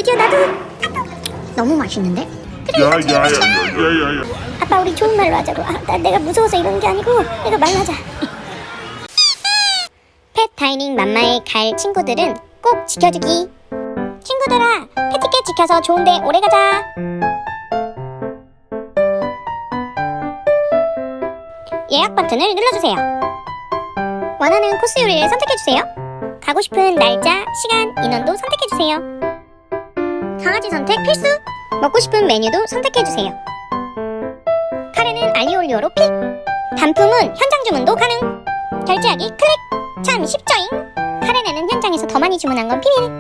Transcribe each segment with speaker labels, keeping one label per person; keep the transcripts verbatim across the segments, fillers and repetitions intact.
Speaker 1: 드디어 나도. 너무 맛있는데? 그래,
Speaker 2: 야야야야야야.
Speaker 1: 아빠 우리 좋은 말로 하자고. 아, 나 내가 무서워서 이러는 게 아니고 내가 말로 하자. 펫 다이닝 맘마에 갈 친구들은 꼭 지켜주기. 친구들아, 패티켓 지켜서 좋은데 오래 가자. 예약 버튼을 눌러주세요. 원하는 코스 요리를 선택해주세요. 가고 싶은 날짜, 시간, 인원도 선택해주세요. 강아지 선택 필수! 먹고 싶은 메뉴도 선택해주세요. 카레는 알리올리오로 픽! 단품은 현장 주문도 가능! 결제하기 클릭! 참 쉽죠잉? 카레네는 현장에서 더 많이 주문한 건 비밀!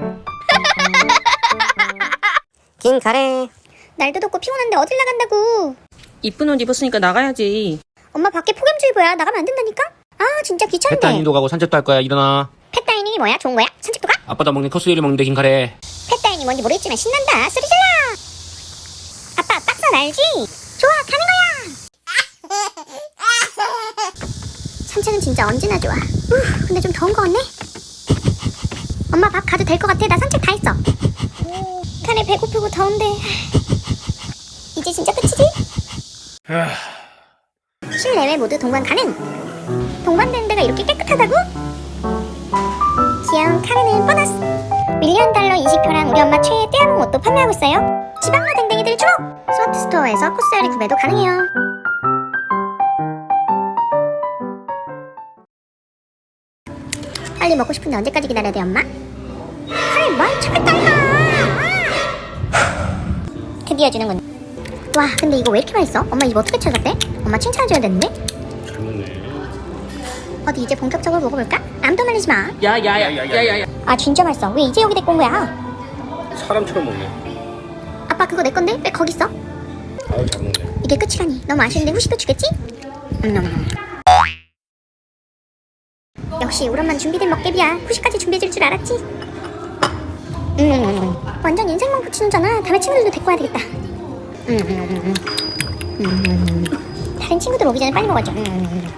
Speaker 3: 긴 카레.
Speaker 1: 날도 덥고 피곤한데 어딜 나간다고!
Speaker 4: 이쁜 옷 입었으니까 나가야지.
Speaker 1: 엄마 밖에 폭염주의보야. 나가면 안 된다니까? 아 진짜 귀찮네.
Speaker 5: 펫다이닝도 가고 산책도 할 거야. 일어나.
Speaker 1: 펫다이닝이 뭐야? 좋은 거야? 산책도 가?
Speaker 5: 아빠도 먹는 코스 요리 먹는데 긴 카레.
Speaker 1: 펫다이닝 뭔지 모르겠지만 신난다. 소리 질러! 아빠 빡선 알지? 좋아 가는 거야! 산책은 진짜 언제나 좋아. 우, 근데 좀 더운 거 같네? 엄마 밥 가도 될 것 같아. 나 산책 다 했어. 카레 배고프고 더운데 이제 진짜 끝이지? 실내외 모두 동반 가능! 동반되는 데가 이렇게 깨끗하다고? 귀여운 카레는 보너스! 밀리언 달러 이십표랑 우리 엄마 최애 떼아몽 옷도 판매하고 있어요. 지방로 댕댕이들 주목! 스마트 스토어에서 코스 요리 구매도 가능해요. 빨리 먹고 싶은데 언제까지 기다려야 돼 엄마? 카레 많이 참았다 임마! 드디어 주는군. 와 근데 이거 왜 이렇게 맛있어? 엄마 이거 어떻게 찾았대? 엄마 칭찬해줘야 되는데?
Speaker 5: 잘 먹네.
Speaker 1: 어디 이제 본격적으로 먹어볼까? 아무도 말리지 마.
Speaker 4: 야야야야야야.
Speaker 1: 아 진짜 맛있어. 왜 이제 여기 데리고 온 거야?
Speaker 5: 사람처럼 먹네.
Speaker 1: 아빠 그거 내 건데 왜 거기 있어?
Speaker 5: 아유 잘 먹네.
Speaker 1: 이게 끝이라니. 너무 아쉬운데 후식도 주겠지? 음. 역시 우리 엄마는 준비된 먹개비야. 후식까지 준비해줄 줄 알았지? 음. 완전 인생만 붙이는잖아. 다음에 친구들도 데리고 와야 되겠다. 음. 음. 음. 다른 친구들 오기 전에 빨리 먹어줘. 음.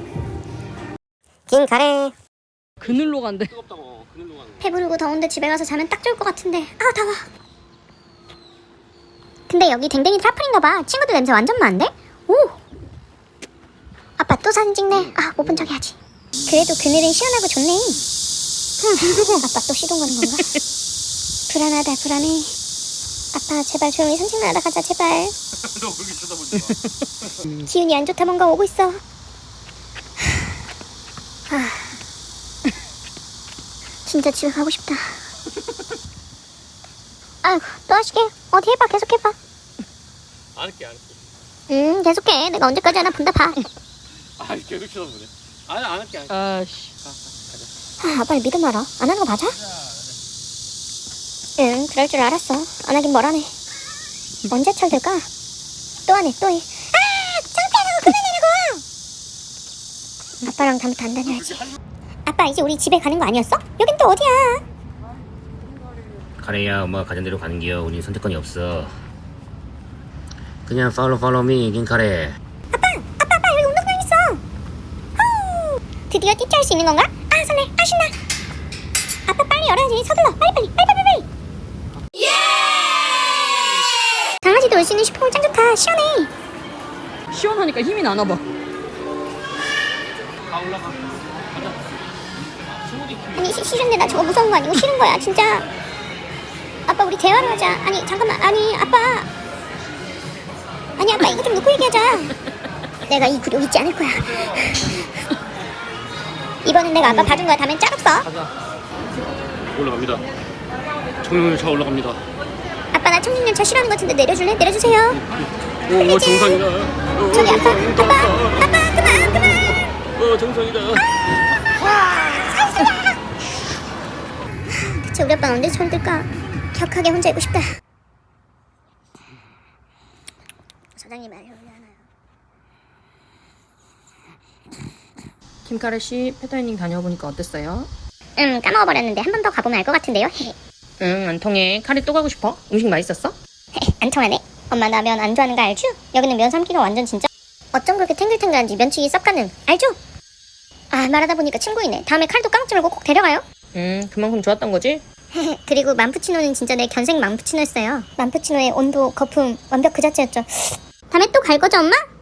Speaker 3: 긴 카레.
Speaker 4: 그늘로 간대.
Speaker 5: 뜨겁다고. 그늘로 가는.
Speaker 1: 배부르고 더운데 집에 가서 자면 딱 좋을 것 같은데. 아 더워. 근데 여기 댕댕이 트라플인가 봐. 친구들 냄새 완전 많은데? 오! 아빠 또 사진 찍네. 아 못 본 척 해야지. 그래도 그늘은 시원하고 좋네. 흠, 아빠 또 시동 거는 건가? 불안하다 불안해. 아빠 제발 조용히 산책만 하다 가자 제발.
Speaker 5: 너 그렇게 쳐다보지 마.
Speaker 1: 기운이 안 좋다. 뭔가 오고 있어. 아, 진짜 집에 가고 싶다. 아이고 또 하시게. 어디 해봐. 계속 해봐.
Speaker 5: 안 할게 안 할게.
Speaker 1: 응 계속해. 내가 언제까지 하나 본다 봐.
Speaker 5: 아 계속 쳐다보네. 아니 안 할게 안 할게.
Speaker 4: 아씨.
Speaker 1: 아, 아빠를 믿음 알아. 안 하는 거 맞아? 응, 그럴 줄 알았어. 안 하긴 뭘 하네. 언제 철들까? 또 하네, 또 해. 아! 창피하다고 그만하라고! 아빠랑 다음부터 안 다녀야지. 아빠, 이제 우리 집에 가는 거 아니었어? 여긴 또 어디야?
Speaker 5: 카레야 엄마가 가는 대로 가는 기요. 우리 선택권이 없어. 그냥 팔로우 팔로우 미 긴 카레.
Speaker 1: 아빠! 아빠, 아빠, 여기 운동장 있어! 후! 드디어 띠짜 할 수 있는 건가? 아, 설레! 아, 신나! 아빠 빨리 열어야지. 서둘러! 빨리, 빨리, 빨리, 빨리, 빨리! 예! 강아지도 올 수 있는 슈퍼볼 짱 좋다. 시원해.
Speaker 4: 시원하니까 힘이 나나 봐.
Speaker 5: 가 올라가.
Speaker 1: 아니 시, 싫은데 나 저거 무서운 거 아니고 싫은 거야 진짜. 아빠 우리 대화를 하자. 아니 잠깐만. 아니 아빠. 아니 아빠 이거 좀 놓고 얘기하자. 내가 이 굴욕 잊지 않을 거야. 이번엔 내가 아빠 봐준 거야. 다음엔 짝없어.
Speaker 5: 올라갑니다. 청룡열차 올라갑니다.
Speaker 1: 아빠 나 청진열차 싫어하는 것 같은데 내려줄래? 내려주세요.
Speaker 5: 오 정상이다. 오,
Speaker 1: 저기 아빠
Speaker 5: 정상이다.
Speaker 1: 아빠 아빠 그만 그만.
Speaker 5: 어 정상이다.
Speaker 1: 대체 우리 아빠는 언제 철들까? 격하게 혼자 있고 싶다. 사장님 말이 올려놔요.
Speaker 4: 김카레 씨 펫다이닝 다녀보니까 어땠어요?
Speaker 1: 음 까먹어버렸는데 한 번 더 가보면 알 것 같은데요.
Speaker 4: 응, 안 통해. 카레 또 가고 싶어? 음식 맛있었어?
Speaker 1: 안 통하네. 엄마 나 면 안 좋아하는 거 알죠? 여기는 면 삶기가 완전 진짜. 어쩜 그렇게 탱글탱글한지 면치기 썩 가능. 알죠? 아 말하다 보니까 친구이네. 다음에 칼도 까먹지 말고 꼭 데려가요.
Speaker 4: 응, 그만큼 좋았던 거지?
Speaker 1: 그리고 만푸치노는 진짜 내 견생 만푸치노였어요. 만푸치노의 온도, 거품 완벽 그 자체였죠. 다음에 또 갈 거죠, 엄마?